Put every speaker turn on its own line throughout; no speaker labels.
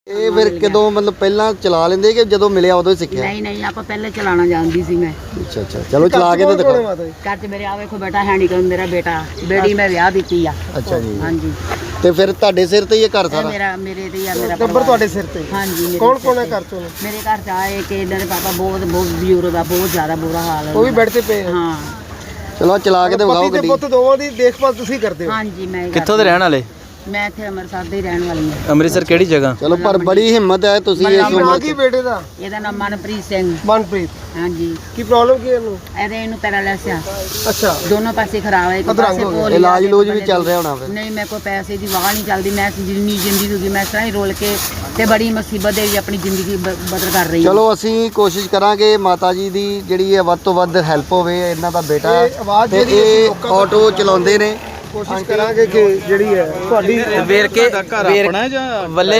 ਇਹ ਫਿਰ ਕਦੋਂ ਮਤਲਬ ਪਹਿਲਾਂ ਚਲਾ ਲੈਂਦੇ ਕਿ ਜਦੋਂ ਮਿਲਿਆ ਉਦੋਂ ਹੀ ਸਿੱਖਿਆ?
ਨਹੀਂ ਨਹੀਂ ਆਪਾਂ ਪਹਿਲੇ ਚਲਾਉਣਾ ਜਾਣਦੀ ਸੀ ਮੈਂ।
ਅੱਛਾ ਅੱਛਾ, ਚਲੋ ਚਲਾ ਕੇ ਤੇ ਦਿਖਾਓ।
ਘਰ 'ਚ ਮੇਰੇ ਆ ਵੇਖੋ ਬੇਟਾ ਹੈ ਨਹੀਂ, ਮੇਰਾ ਬੇਟਾ ਬੇੜੀ ਮੈਂ ਵਿਆਹ ਦਿੱਤੀ ਆ।
ਅੱਛਾ ਜੀ,
ਹਾਂਜੀ।
ਤੇ ਫਿਰ ਤੁਹਾਡੇ ਸਿਰ ਤੇ ਹੀ ਇਹ ਘਰ ਸਾਰਾ?
ਮੇਰੇ ਤੇ ਹੀ ਆ, ਮੇਰਾ
ਟੱਬਰ ਤੁਹਾਡੇ ਸਿਰ ਤੇ?
ਹਾਂਜੀ।
ਕੌਣ ਕੌਣ ਹੈ ਘਰ ਚੋਂ?
ਮੇਰੇ ਘਰ 'ਚ ਆਏ ਕਿ ਇਹਨਾਂ ਦੇ ਪਾਪਾ ਬਹੁਤ ਬਜ਼ੁਰਗ ਦਾ, ਬਹੁਤ ਜ਼ਿਆਦਾ ਬੁਰਾ ਹਾਲ ਹੈ।
ਉਹ ਵੀ ਬੈੱਡ ਤੇ ਪਏ?
ਹਾਂ।
ਚਲੋ ਚਲਾ ਕੇ ਤੇ ਵਿਖਾਓ ਗੱਡੀ।
ਪੁੱਤ ਦੋਵਾਂ ਦੀ ਦੇਖਭਾਲ ਤੁਸੀਂ ਕਰਦੇ ਹੋ?
ਹਾਂਜੀ। ਮੈਂ
ਕਿੱਥੋਂ ਦੇ ਰਹਿਣ ਵਾਲੇ?
ਮੈਂ ਇੱਥੇ ਅੰਮ੍ਰਿਤਸਰ ਦੀ ਰਹਿਣ ਵਾਲੀ ਹਾਂ।
ਅੰਮ੍ਰਿਤਸਰ ਕਿਹੜੀ ਜਗ੍ਹਾ?
ਚਲੋ ਪਰ ਬੜੀ ਹਿੰਮਤ ਹੈ ਤੁਸੀਂ ਇਸ
ਨਾਂ
ਉਮਰ
ਕੀ ਬੇਟੇ ਦਾ?
ਇਹਦਾ ਨਾਮ ਮਨਪ੍ਰੀਤ ਸਿੰਘ।
ਮਨਪ੍ਰੀਤ।
ਹਾਂਜੀ।
ਕੀ ਪ੍ਰੋਬਲਮ ਕੀ ਹੈ ਇਹਨੂੰ?
ਇਹਨੂੰ ਪੈਰਾਲਿਸਿਸ ਆ।
ਅੱਛਾ।
ਦੋਨੋਂ ਪਾਸੇ ਖਰਾਬ ਹੈ, ਇੱਕ ਪਾਸੇ ਪੋਲੀ।
ਇਲਾਜ ਲੂਜ ਵੀ ਚੱਲ ਰਿਹਾ ਹੋਣਾ ਫਿਰ?
ਨਹੀਂ, ਮੇਰੇ ਕੋਲ ਪੈਸੇ ਦੀ ਵਾਹ ਨਹੀਂ ਚੱਲਦੀ। ਮੈਂ ਜਿੰਨੀ ਜ਼ਿੰਦਗੀ ਹੋਗੀ ਮੈਂ ਇਸ ਤਰ੍ਹਾਂ ਹੀ ਰੋਲ ਕੇ ਤੇ ਬੜੀ ਮੁਸੀਬਤ ਦੇ ਵਿੱਚ ਆਪਣੀ ਜ਼ਿੰਦਗੀ ਬਦਲ ਕਰ ਰਹੀ ਹਾਂ।
ਚਲੋ ਅਸੀਂ ਕੋਸ਼ਿਸ਼ ਕਰਾਂਗੇ ਮਾਤਾ ਜੀ ਦੀ ਜਿਹੜੀ ਹੈ ਵੱਧ ਤੋਂ ਵੱਧ ਹੈਲਪ ਹੋਵੇ। ਇਹਨਾਂ ਦਾ ਬੇਟਾ ਤੇ ਇਹ ਆਟੋ ਚਲਾਉਂਦੇ ਨੇ।
ਕੋਸ਼ਿਸ਼ ਕਰਾਂਗੇ ਕਿ ਜਿਹੜੀ ਹੈ ਤੁਹਾਡੀ
ਵੇਰਕੇ ਆਪਣਾ ਜਾਂ ਵੱਲੇ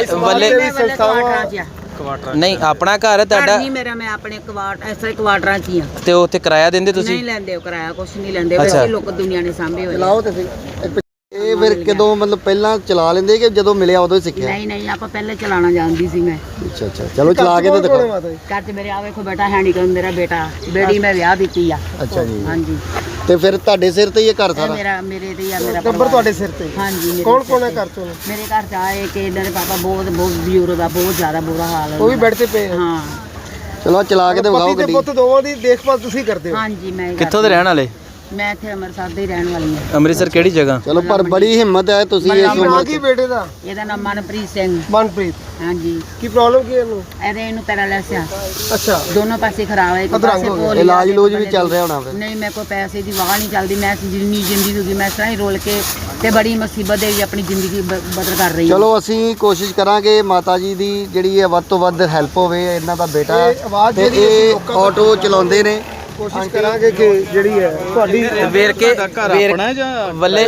ਨਹੀਂ ਆਪਣਾ ਘਰ ਹੈ ਤੁਹਾਡਾ?
ਨਹੀਂ ਮੇਰਾ, ਮੈਂ ਆਪਣੇ ਐਸੇ ਕੁਆਟਰਾਂ 'ਚ ਹੀ ਆ।
ਤੇ ਉੱਥੇ ਕਿਰਾਇਆ ਦਿੰਦੇ ਤੁਸੀਂ?
ਨਹੀਂ ਲੈਂਦੇ, ਉਹ ਕਿਰਾਇਆ ਕੁਛ ਨਹੀਂ ਲੈਂਦੇ। ਵੈਸੇ ਲੋਕ ਦੁਨੀਆ ਨੇ ਸਾਂਭੇ ਹੋਏ।
ਚਲਾਓ ਤੇ ਸਹੀ। ਇਹ ਫਿਰ ਕਦੋਂ ਮਤਲਬ ਪਹਿਲਾਂ ਚਲਾ ਲੈਂਦੇ ਕਿ ਜਦੋਂ ਮਿਲਿਆ ਉਦੋਂ ਹੀ ਸਿੱਖਿਆ?
ਨਹੀਂ ਨਹੀਂ, ਆਪਾਂ ਪਹਿਲੇ ਚਲਾਉਣਾ ਜਾਣਦੀ ਸੀ ਮੈਂ।
ਅੱਛਾ ਅੱਛਾ, ਚਲੋ ਚਲਾ ਕੇ ਤੇ ਦਿਖਾਓ।
ਘਰ 'ਚ ਮੇਰੇ ਆ ਵੇਖੋ ਬੇਟਾ ਹੈ ਨਹੀਂ, ਮੇਰਾ ਬੇਟਾ ਬੇੜੀ ਮੈਂ ਵਿਆਹ ਦਿੱਤੀ ਆ।
ਅੱਛਾ ਜੀ।
ਹਾਂਜੀ।
ਤੇ ਫਿਰ ਤੁਹਾਡੇ ਸਿਰ ਤੇ ਹੀ ਇਹ ਘਰ ਸਾਰਾ?
ਮੇਰੇ ਤੇ ਹੀ ਆ, ਮੇਰਾ
ਟੱਬਰ ਤੁਹਾਡੇ ਸਿਰ ਤੇ?
ਹਾਂਜੀ।
ਕੌਣ ਕੌਣ ਹੈ ਘਰ ਚੋਂ?
ਮੇਰੇ ਘਰ 'ਚ ਆਏ ਕਿ ਇਹਨਾਂ ਦੇ ਪਾਪਾ ਬਹੁਤ ਬਜ਼ੁਰਗ ਦਾ, ਬਹੁਤ ਜ਼ਿਆਦਾ ਬੁਰਾ ਹਾਲ ਹੈ।
ਉਹ ਵੀ ਬੈੱਡ ਤੇ ਪਏ?
ਹਾਂ।
ਚਲੋ ਚਲਾ ਕੇ ਤੇ ਵਿਖਾਓ ਗੱਡੀ।
ਪੁੱਤ ਦੋਵਾਂ ਦੀ ਦੇਖਭਾਲ ਤੁਸੀਂ ਕਰਦੇ ਹੋ?
ਹਾਂਜੀ। ਮੈਂ
ਕਿੱਥੋਂ ਦੇ ਰਹਿਣ ਵਾਲੇ?
ਮੈਂ ਇੱਥੇ ਅੰਮ੍ਰਿਤਸਰ ਦੀ ਰਹਿਣ ਵਾਲੀ ਹਾਂ।
ਅੰਮ੍ਰਿਤਸਰ ਕਿਹੜੀ ਜਗ੍ਹਾ?
ਚਲੋ ਪਰ ਬੜੀ ਹਿੰਮਤ ਹੈ ਤੁਸੀਂ ਇਸ
ਨਾਂ
ਉਮਰ
ਕੀ ਬੇਟੇ ਦਾ?
ਇਹਦਾ ਨਾਮ ਮਨਪ੍ਰੀਤ ਸਿੰਘ।
ਮਨਪ੍ਰੀਤ।
ਹਾਂਜੀ।
ਕੀ ਪ੍ਰੋਬਲਮ ਕੀ ਹੈ ਇਹਨੂੰ?
ਇਹਨੂੰ ਪੈਰਾਲਿਸਿਸ ਆ।
ਅੱਛਾ।
ਦੋਨੋਂ ਪਾਸੇ ਖਰਾਬ ਹੈ, ਇੱਕ ਪਾਸੇ ਪੋਲੀ।
ਇਲਾਜ ਲੂਜ ਵੀ ਚੱਲ ਰਿਹਾ ਹੋਣਾ ਫਿਰ?
ਨਹੀਂ, ਮੇਰੇ ਕੋਲ ਪੈਸੇ ਦੀ ਵਾਹ ਨਹੀਂ ਚੱਲਦੀ। ਮੈਂ ਜਿੰਨੀ ਜ਼ਿੰਦਗੀ ਹੋਗੀ ਮੈਂ ਇਸ ਤਰ੍ਹਾਂ ਹੀ ਰੋਲ ਕੇ ਤੇ ਬੜੀ ਮੁਸੀਬਤ ਦੇ ਵਿੱਚ ਆਪਣੀ ਜ਼ਿੰਦਗੀ ਬਦਲ ਕਰ ਰਹੀ ਹਾਂ।
ਚਲੋ ਅਸੀਂ ਕੋਸ਼ਿਸ਼ ਕਰਾਂਗੇ ਮਾਤਾ ਜੀ ਦੀ ਜਿਹੜੀ ਹੈ ਵੱਧ ਤੋਂ ਵੱਧ ਹੈਲਪ ਹੋਵੇ। ਇਹਨਾਂ ਦਾ ਬੇਟਾ ਤੇ ਇਹ ਆਟੋ ਚਲਾਉਂਦੇ ਨੇ।
ਕੋਸ਼ਿਸ਼ ਕਰਾਂਗੇ ਕਿ ਜਿਹੜੀ ਹੈ ਤੁਹਾਡੀ
ਵੇਰਕੇ ਆਪਣਾ ਜਾਂ ਵੱਲੇ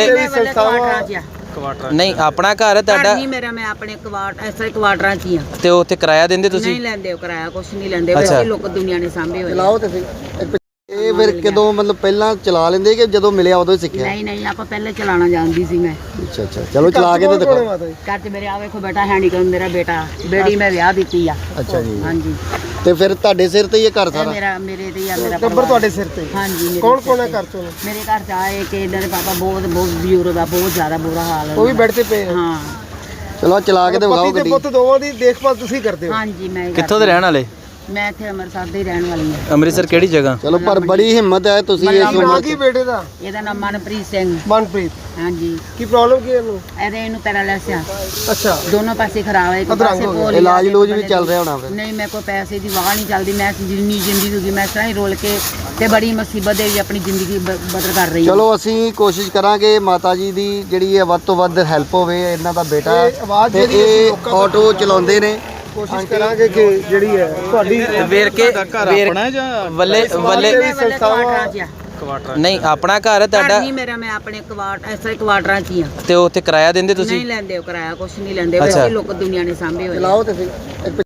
ਨਹੀਂ ਆਪਣਾ ਘਰ ਹੈ ਤੁਹਾਡਾ?
ਨਹੀਂ ਮੇਰਾ, ਮੈਂ ਆਪਣੇ ਐਸੇ ਕੁਆਟਰਾਂ 'ਚ ਹੀ ਆ।
ਤੇ ਉੱਥੇ ਕਿਰਾਇਆ ਦਿੰਦੇ ਤੁਸੀਂ?
ਨਹੀਂ ਲੈਂਦੇ, ਉਹ ਕਿਰਾਇਆ ਕੁਛ ਨਹੀਂ ਲੈਂਦੇ। ਵੈਸੇ ਲੋਕ ਦੁਨੀਆ ਨੇ ਸਾਂਭੇ ਹੋਏ।
ਚਲਾਓ ਤੇ ਸਹੀ। ਇਹ ਫਿਰ ਕਦੋਂ ਮਤਲਬ ਪਹਿਲਾਂ ਚਲਾ ਲੈਂਦੇ ਕਿ ਜਦੋਂ ਮਿਲਿਆ ਉਦੋਂ ਹੀ ਸਿੱਖਿਆ?
ਨਹੀਂ ਨਹੀਂ, ਆਪਾਂ ਪਹਿਲੇ ਚਲਾਉਣਾ ਜਾਣਦੀ ਸੀ ਮੈਂ।
ਅੱਛਾ ਅੱਛਾ, ਚਲੋ ਚਲਾ ਕੇ ਤੇ ਦਿਖਾਓ।
ਘਰ 'ਚ ਮੇਰੇ ਆ ਵੇਖੋ ਬੇਟਾ ਹੈ ਨਹੀਂ, ਮੇਰਾ ਬੇਟਾ ਬੇੜੀ ਮੈਂ ਵਿਆਹ ਦਿੱਤੀ ਆ।
ਅੱਛਾ ਜੀ।
ਹਾਂਜੀ।
ਤੇ ਫਿਰ ਤੁਹਾਡੇ ਸਿਰ ਤੇ ਹੀ ਇਹ ਘਰ ਸਾਰਾ?
ਮੇਰੇ ਤੇ ਹੀ ਆ, ਮੇਰਾ
ਟੱਬਰ ਤੁਹਾਡੇ ਸਿਰ ਤੇ?
ਹਾਂਜੀ।
ਕੌਣ ਕੌਣ ਹੈ ਘਰ ਚੋਂ?
ਮੇਰੇ ਘਰ 'ਚ ਆਏ ਕਿ ਇਹਨਾਂ ਦੇ ਪਾਪਾ ਬਹੁਤ ਬਜ਼ੁਰਗ ਦਾ, ਬਹੁਤ ਜ਼ਿਆਦਾ ਬੁਰਾ ਹਾਲ ਹੈ।
ਉਹ ਵੀ ਬੈੱਡ ਤੇ ਪਏ?
ਹਾਂ।
ਚਲੋ ਚਲਾ ਕੇ ਤੇ ਵਿਖਾਓ ਗੱਡੀ।
ਪੁੱਤ ਦੋਵਾਂ ਦੀ ਦੇਖਭਾਲ ਤੁਸੀਂ ਕਰਦੇ ਹੋ?
ਹਾਂਜੀ। ਮੈਂ
ਕਿੱਥੋਂ ਦੇ ਰਹਿਣ ਵਾਲੇ?
ਮੈਂ ਇੱਥੇ ਅੰਮ੍ਰਿਤਸਰ ਦੀ ਰਹਿਣ ਵਾਲੀ ਹਾਂ।
ਅੰਮ੍ਰਿਤਸਰ ਕਿਹੜੀ ਜਗ੍ਹਾ?
ਚਲੋ ਪਰ ਬੜੀ ਹਿੰਮਤ ਹੈ ਤੁਸੀਂ ਇਸ
ਨਾਂ
ਉਮਰ
ਕੀ ਬੇਟੇ ਦਾ?
ਇਹਦਾ ਨਾਮ ਮਨਪ੍ਰੀਤ ਸਿੰਘ।
ਮਨਪ੍ਰੀਤ।
ਹਾਂਜੀ।
ਕੀ ਪ੍ਰੋਬਲਮ ਕੀ ਹੈ ਇਹਨੂੰ?
ਇਹਨੂੰ ਪੈਰਾਲਿਸਿਸ ਆ।
ਅੱਛਾ।
ਦੋਨੋਂ ਪਾਸੇ ਖਰਾਬ ਹੈ, ਇੱਕ ਪਾਸੇ ਪੋਲੀ।
ਇਲਾਜ ਲੂਜ ਵੀ ਚੱਲ ਰਿਹਾ ਹੋਣਾ ਫਿਰ?
ਨਹੀਂ, ਮੇਰੇ ਕੋਲ ਪੈਸੇ ਦੀ ਵਾਹ ਨਹੀਂ ਚੱਲਦੀ। ਮੈਂ ਜਿੰਨੀ ਜ਼ਿੰਦਗੀ ਹੋਗੀ ਮੈਂ ਇਸ ਤਰ੍ਹਾਂ ਹੀ ਰੋਲ ਕੇ ਤੇ ਬੜੀ ਮੁਸੀਬਤ ਦੇ ਵਿੱਚ ਆਪਣੀ ਜ਼ਿੰਦਗੀ ਬਦਲ ਕਰ ਰਹੀ ਹਾਂ।
ਚਲੋ ਅਸੀਂ ਕੋਸ਼ਿਸ਼ ਕਰਾਂਗੇ ਮਾਤਾ ਜੀ ਦੀ ਜਿਹੜੀ ਹੈ ਵੱਧ ਤੋਂ ਵੱਧ ਹੈਲਪ ਹੋਵੇ। ਇਹਨਾਂ ਦਾ ਬੇਟਾ ਤੇ ਇਹ ਆਟੋ ਚਲਾਉਂਦੇ ਨੇ।
ਕੋਸ਼ਿਸ਼ ਕਰਾਂਗੇ ਕਿ ਜਿਹੜੀ ਹੈ ਤੁਹਾਡੀ
ਵੇਰਕੇ ਆਪਣਾ ਜਾਂ ਵੱਲੇ ਨਹੀਂ ਆਪਣਾ ਘਰ ਹੈ ਤੁਹਾਡਾ?
ਨਹੀਂ ਮੇਰਾ, ਮੈਂ ਆਪਣੇ ਐਸੇ ਕੁਆਟਰਾਂ 'ਚ ਹੀ ਆ।
ਤੇ ਉੱਥੇ ਕਿਰਾਇਆ ਦਿੰਦੇ ਤੁਸੀਂ?
ਨਹੀਂ ਲੈਂਦੇ, ਉਹ ਕਿਰਾਇਆ ਕੁਛ ਨਹੀਂ ਲੈਂਦੇ। ਵੈਸੇ ਲੋਕ ਦੁਨੀਆ ਨੇ ਸਾਂਭੇ ਹੋਏ।
ਚਲਾਓ ਤੇ ਸਹੀ।